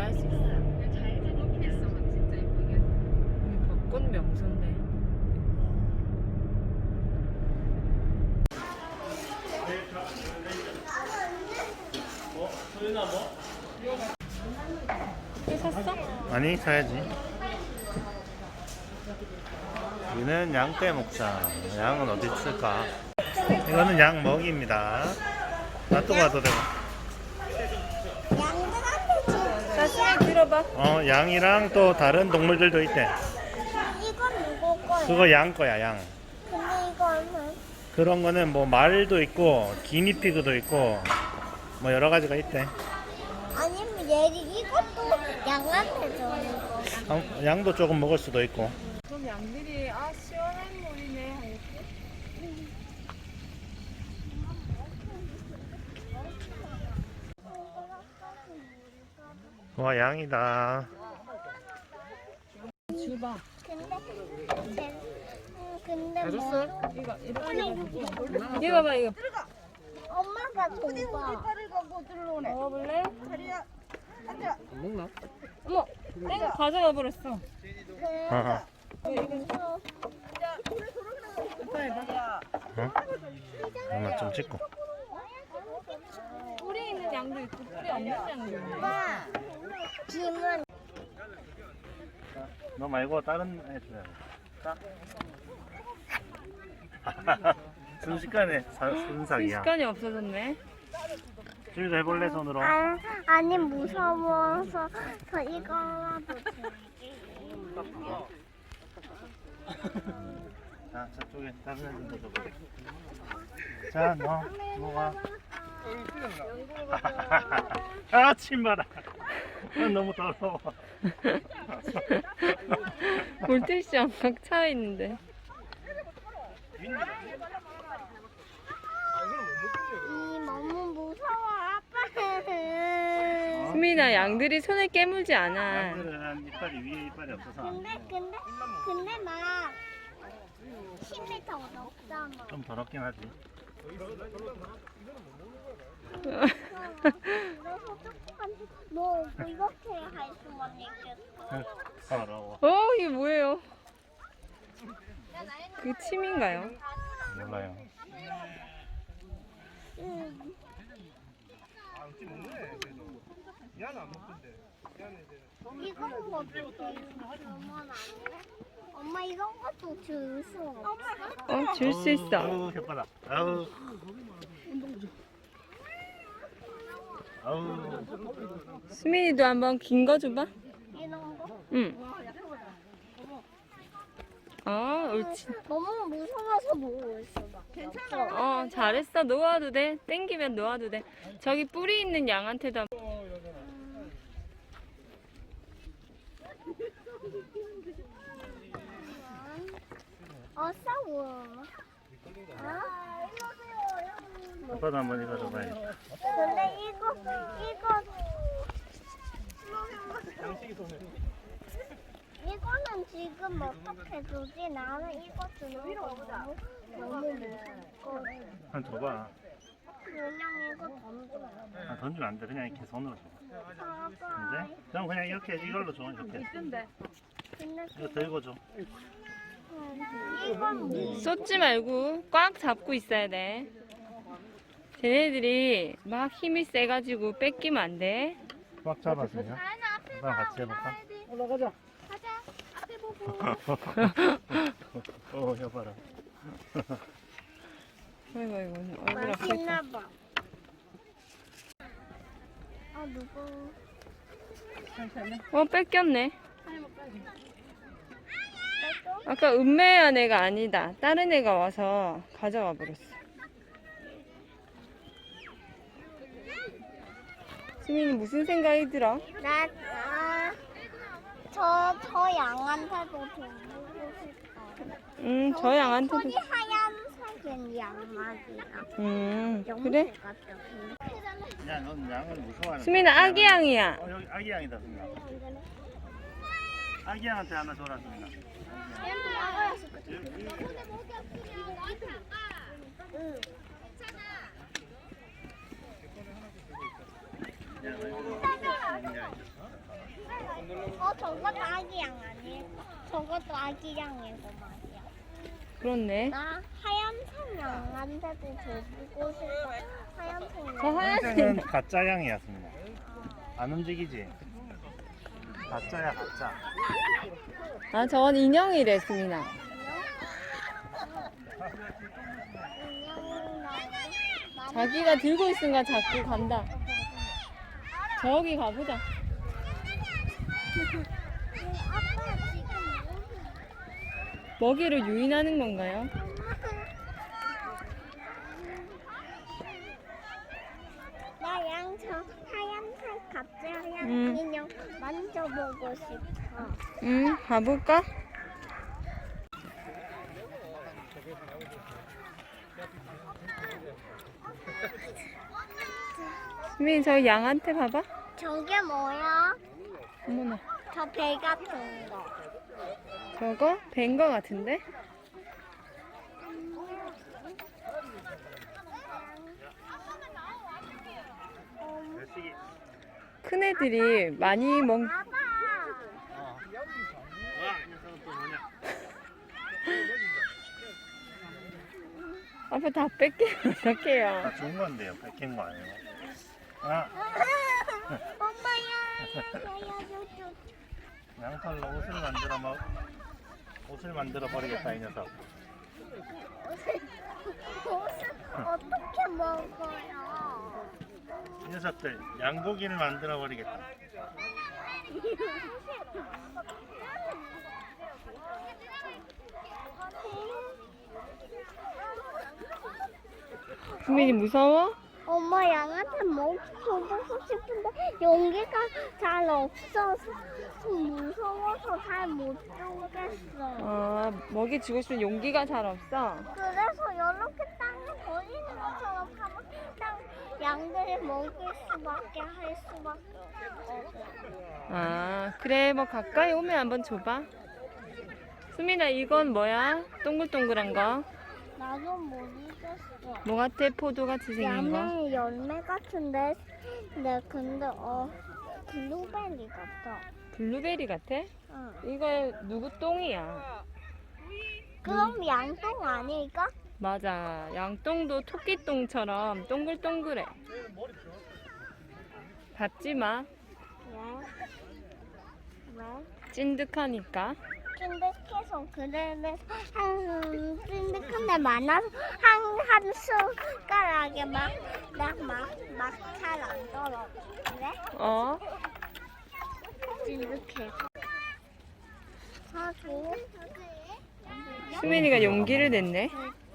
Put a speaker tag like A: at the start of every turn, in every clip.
A: 알 수 있어.
B: 잘 높이 있어, 진짜 예쁘게.
A: 여기 벚꽃 명소인데. 이거 샀어?
C: 아니, 사야지. 여기는 양떼 목장. 양은 어디 있을까? 이거는 양 먹이입니다. 놔두고 가도 되고.
D: 양들한테 줘.
A: 자신이 들어봐.
C: 양이랑 또 다른 동물들도 있대.
D: 이건 누구 거야?
C: 그거 양 거야, 양.
D: 근데 이거는
C: 그런 거는 뭐 말도 있고, 기니피그도 있고, 뭐 여러 가지가 있대.
D: 아니면 이것도 양한테 주는 거.
C: 양도 조금 먹을 수도 있고.
A: 그럼 양들이 시원한 물이네 하겠지?
C: 와, 양이다.
A: 줘봐.
D: 근데 뭐?
A: 이거 이렇게 이거 봐봐 이거.
D: 엄마가 줘봐.
A: 먹어볼래?
C: 안 먹나?
A: 어머, 내가 가져가 버렸어.
C: 어? 하나 좀 찍고.
A: 뿌리 있는 양도 있고 뿌리 없는 양도 있네.
D: 엄마, 김은
C: 너 말고 다른 애 줘야 돼. 순식간에 순삭이야.
A: 시간이 없어졌네.
C: 주희도 해볼래, 손으로?
D: 아니 무서워서 저 이거라도
C: 자, 저쪽에 다른 애들도 줘볼게. 자, 너 먹어. 침 봐라. 너무 더러워.
A: 물티슈랑 막 차 있는데.
D: 너무 무서워 아빠.
A: 수민아, 양들이 손에 깨물지 않아.
C: 양들은 이빨이 위에 이빨이 없어서 안 돼.
D: 근데 막 10m 넘잖아.
C: 좀 더럽긴 하지.
D: 그래서 조금 너 이렇게 할 수만 있겠어.
C: 더러워.
A: 이게 뭐예요? 그 침인가요?
C: 몰라요.
D: 응. 이거는 어떻게 주면 안 돼? 엄마 이런 것도 줄 수 없어.
A: 줄 수 있어.
C: 아우, 혓바닥. 아우. 아우.
A: 수민이도 한번 긴 거 줘봐.
D: 이런 거?
A: 응. 옳지.
D: 너무 무서워서 못 있어. 괜찮아.
A: 잘했어. 놓아도 돼. 땡기면 놓아도 돼. 저기 뿌리 있는 양한테도
D: 싸워.
C: 아빠도 한번 이거 줘봐요.
D: 근데 이거는 지금 어떻게 주지? 나는 이거 주는 거 너무 무섭고
C: 한 줘봐.
D: 그냥 이거 던져.
C: 던지면 안 돼. 그냥 이렇게 손으로 줘.
D: 아빠.
C: 근데? 그럼 그냥 이렇게 이걸로 줘. 이렇게.
D: 근데
C: 이거 들고 줘.
D: 이건
A: 쏟지 말고 꽉 잡고 있어야 돼. 쟤네들이 막 힘이 세가지고 뺏기면 안 돼.
C: 꽉 잡아서요. 나랑 같이 해볼까?
D: 가자. 앞에 보고.
C: 여봐라.
A: 아이고, 얼굴
D: 맛있나
A: 아프겠다.
D: 봐. 누구?
A: 뺏겼네. 아까 은매한 애가 아니다. 다른 애가 와서 가져가 버렸어. 수민이 무슨 생각이 들어?
D: 저 양한테도 주고 싶어.
A: 저 양한테도.
D: 손이 하얀색은 양아지야.
A: 그래?
C: 야, 넌 양을 무서워하는.
A: 수민아, 아기 양이야.
C: 여기 아기 양이다, 수민아. 아기 양한테 하나 줘라, 수민아.
D: 응. 저것도 아기 양 아니에요? 저것도 아기 양인 거 말이야.
A: 그렇네.
D: 나 하얀색 양한테도 줘보고 싶어. 하얀색
A: 저
D: 양.
A: 하얀색.
C: 하얀색은 가짜 양이었습니다. 안 움직이지? 가짜야 가짜.
A: 아, 저건 인형이래, 수민아. 자기가 들고 있으니까 자꾸 간다. 저기 가보자.
D: 아빠 지금
A: 먹이를 유인하는 건가요?
D: 나 양 저 하얀색 가짜 양
A: 응.
D: 인형 만져보고 싶어.
A: 응, 가볼까? 수민이 저 양한테 봐봐.
D: 저게 뭐야?
A: 어머나.
D: 저 배 같은 거.
A: 저거 뵌 거 같은데? 큰 애들이 많이 먹.
D: 봐봐.
A: 아빠 다 뺏기면 어떡해요?
C: 다 좋은 건데요. 뺏긴 거 아니에요. 아,
D: 엄마야.
C: 양털로 옷을 만들어 버리겠다 이 녀석.
D: 옷을 어떻게 먹어요?
C: 이 녀석들 양고기를 만들어 버리겠다.
A: 수민이 무서워?
D: 엄마 양한테 먹이 줘보고 싶은데 용기가 잘 없어서 무서워서 잘 못 주겠어.
A: 먹이 주고 싶은 용기가 잘 없어.
D: 그래서 이렇게 땅에 버리는 것처럼 하면 땅 양들이 먹일 수밖에 할 수밖에 없어.
A: 그래, 뭐 가까이 오면 한번 줘봐. 수민아, 이건 뭐야? 동글동글한 거.
D: 나도 모르겠어.
A: 뭐 같아? 포도 같이 생긴 거.
D: 야매 열매 같은데, 네, 근데 블루베리 같아.
A: 블루베리 같아?
D: 응.
A: 이거 누구 똥이야?
D: 그럼 양똥 아닐까?
A: 맞아. 양똥도 토끼똥처럼 동글동글해. 밟지 마.
D: 왜? 왜?
A: 찐득하니까.
D: 찐득해서 그래서 찐득한데 많아서 한 숟가락에 막 잘 안 떨어지네?
A: 어?
D: 찐득해서. 하고
A: 수민이가 용기를 냈네.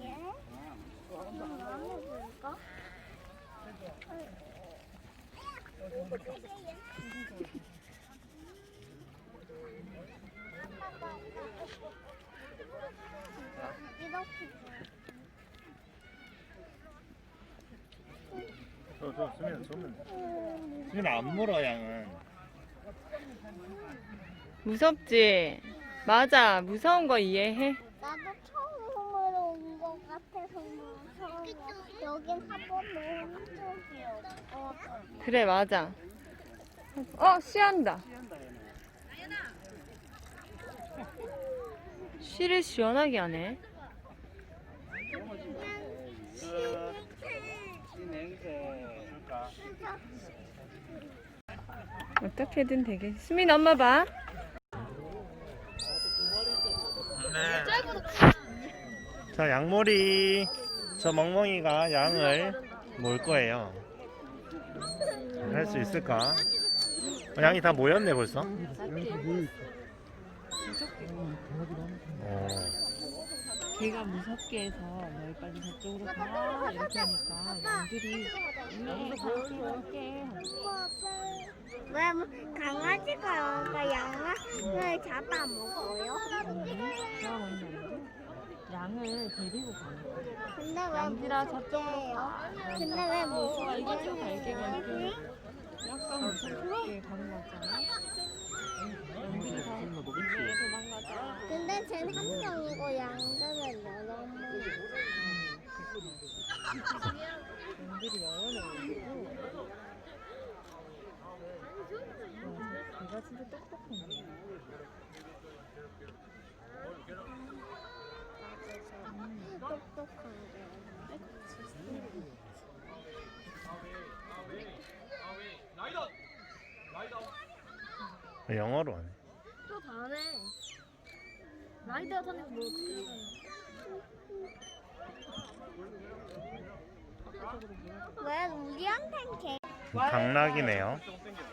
C: 수민 안 물어 양은.
A: 무섭지? 맞아. 무서운 거 이해해.
D: 나도 처음으로 온 것 같아서 무서워. 여긴 한 번도 온 적이 없거든.
A: 그래, 맞아. 쉬한다. 쉬를 시원하게 하네. 어떻게든 되게. 수민 엄마 봐.
C: 자, 양머리. 저 멍멍이가 양을 몰 거예요. 할 수 있을까? 양이 다 모였네 벌써.
A: 걔가 무섭게 해서 널 빨리 저쪽으로 가 이렇게 하니까 양들이
D: 왜 강아지가 양을 잡아먹어요?
A: 양을 데리고 가는 거야.
D: 근데 왜
A: 양들아 저쪽으로 가.
D: 근데 왜 무서워?
A: 이것도 갈게 갈게. 약간 무섭게 가는 거잖아. 양들이 다 도망가자.
D: 근데 쟤는 한 명이고 양들은 여러 명.
A: 양들이 여러 명이고. 얘가 진짜 똑똑하네.
D: 똑똑한데.
C: 영어로 하네.
B: 또 다네. 라이더 타는 거 뭐 어떻게
D: 왜 우리한텐 개?
C: 당락이네요.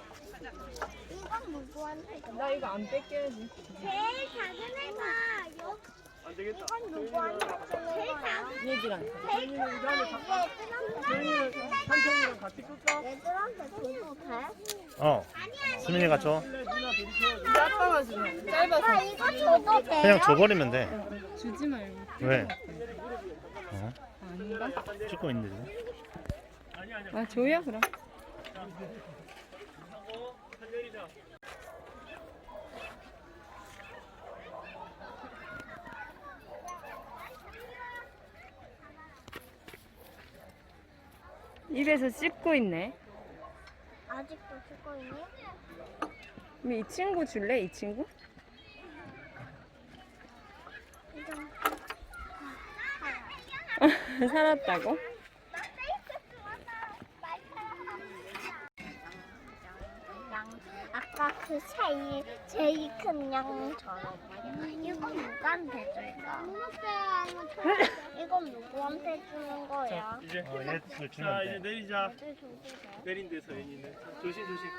D: 이건 누구한테 줘?
A: 나 이거 안 뺏겨야지.
D: 제일 작은 애가 이건 누구한테 주는 거야?
A: 얘들한테.
D: 제일 큰 애들한테
E: 한편이랑 같이 끌까?
D: 얘들한테 줘도 돼?
C: 수민이가 줘.
A: 근데 아빠가 주면 짧아서.
D: 아 이거 줘도 돼요?
C: 그냥 줘버리면 돼.
A: 주지 말고.
C: 왜? 어?
A: 아닌가?
C: 찍고 있는데 지금.
A: 아, 줘요, 그럼. 입에서 씹고 있네.
D: 아직도 쓰고 있니?
A: 그럼 이 친구 줄래? 이 친구?
D: 이건
A: 살았다고?
D: 아까 그 제일 큰 양처럼 이건 누구한테 줄까? 이건 누구한테 주는 거야?
E: 이제
C: 얘들
E: 자
C: 주면
E: 이제
C: 돼.
E: 내리자.
D: 얘들 줘도 돼?
E: 내린대 서연이는. 조심 조심.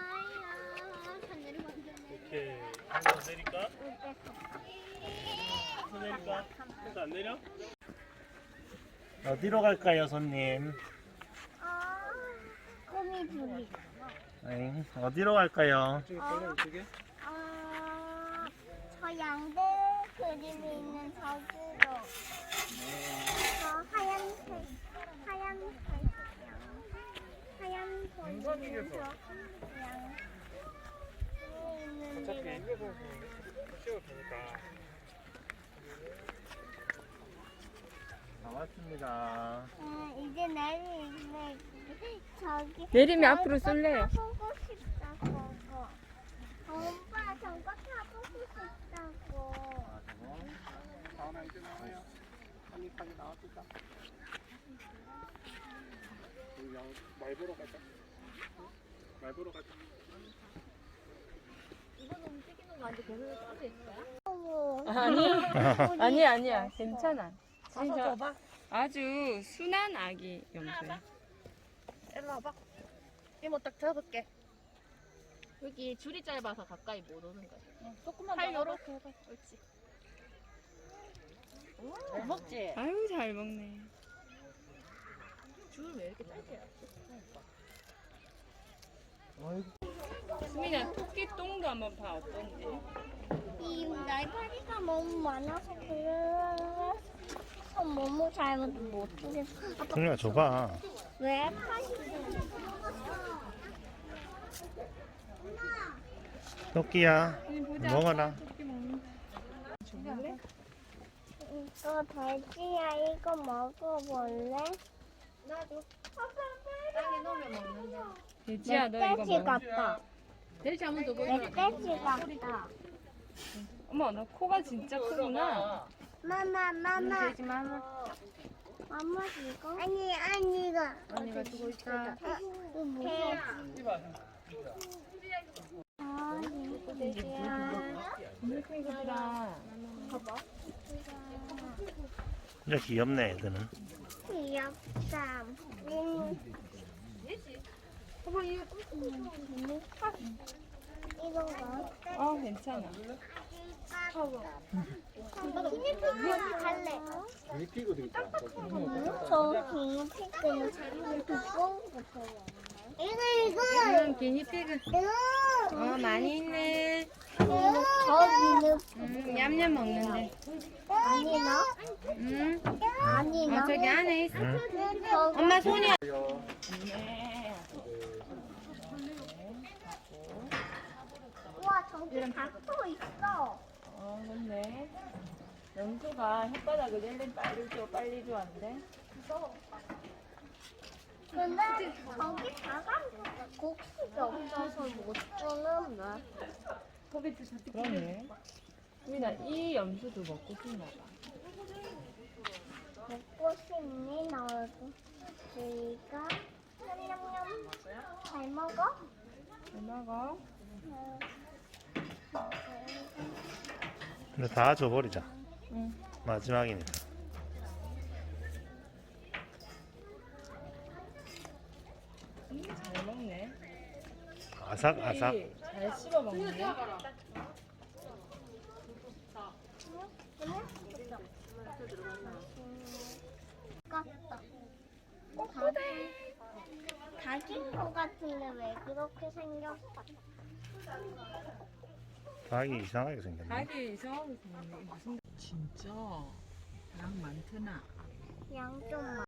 E: 오케이. 내릴까? 내릴까? 그래서 안 내려?
C: 어디로 갈까요, 손님?
D: 꿈이 둘이.
C: 에잉, 어디로 갈까요?
D: 저 양들 그림이 있는 저기로. 저 하얀색 양. 하얀 돈 있는 저 양. 있는
E: 어차피
D: 데로.
E: 입에서 쉬어도 되니까.
C: 나왔습니다.
D: 이제 내리네. 저기.
A: 내리면 앞으로 쏠래요.
D: 타보고 싶다 저거. 오빠 저거 타보고 싶다고.
E: 다음에 이제 나와요. 한입하게 나왔을까? 우리 말 보러 가자. 말 보러 가자.
A: 아니, 아니야. 괜찮아. 진짜 아주 순한 아기 염소야.
B: 일로 와봐. 이모 딱 잡을게. 여기 줄이 짧아서 가까이 못 오는 거야. 조금만 팔 요렇게 해봐. 옳지. 잘 먹지?
A: 아유, 잘 먹네.
B: 줄 왜 이렇게 짧게?
A: 수민아, 토끼 똥도 한번 봐. 어떤지.
D: 이 날파리가 너무 많아서 그래서 너무 잘 못 주겠어. 아빠
C: 수민이가 줘봐.
D: 왜 파리?
C: 토끼야,
A: 보자.
C: 먹어라.
A: 토끼 먹는. 줘볼래?
D: 이거 돼지야 이거 먹어볼래? 나도.
B: 땅에 넣으면 먹는데.
A: 돼지야, 너 이거
D: 멧돼지
A: 먹어.
D: 같다.
B: 돼지 한번 더 보여.
D: 멧돼지 같다.
A: 어머, 너 코가 진짜 크구나.
D: 마마.
A: 돼지 마마.
D: 엄마 이거? 아니 이거.
A: 언니가 주고 있다.
D: 이거 뭐야? 아 이거 돼지야.
A: 정말 크구나.
C: 진짜 귀엽네, 애들은.
D: 귀엽다. 이건가?
A: 괜찮아.
D: 기니피그 갈래.
E: 미피고도 있다.
D: 저 기니피그는 두꺼운 거 좋아해. 이거.
A: 기니피그.
D: 이거.
A: 많이 있네.
D: 저
A: 냠냠 먹는데.
D: 아니 너? 아니 너?
A: 저기 안에 있어.
D: 저
A: 엄마 손이야.
D: 우와 저기 닭도 있어.
A: 그렇네. 염소가 혓바닥을 낼래 빨리 줘, 빨리 줘, 안 돼?
D: 근데 저기 다가는 곡식이 없어서 못 주는데.
A: 그러네. 우민아, 이 염소도 먹고 싶나 봐.
D: 먹고 싶니 너도? 우리가 냠냠냠 잘 먹어?
A: 잘 먹어.
C: 근데 다 줘버리자.
A: 응.
C: 마지막이니까.
A: 잘 먹네.
C: 아삭아삭.
A: 잘 씹어 먹네.
D: 깠다. 닭인 거 같은데 왜 그렇게 생겼어?
C: 닭이 이상하게 생겼네.
A: 닭이 이상하게 생겼네. 무슨 진짜 양 많구나.
D: 양 좀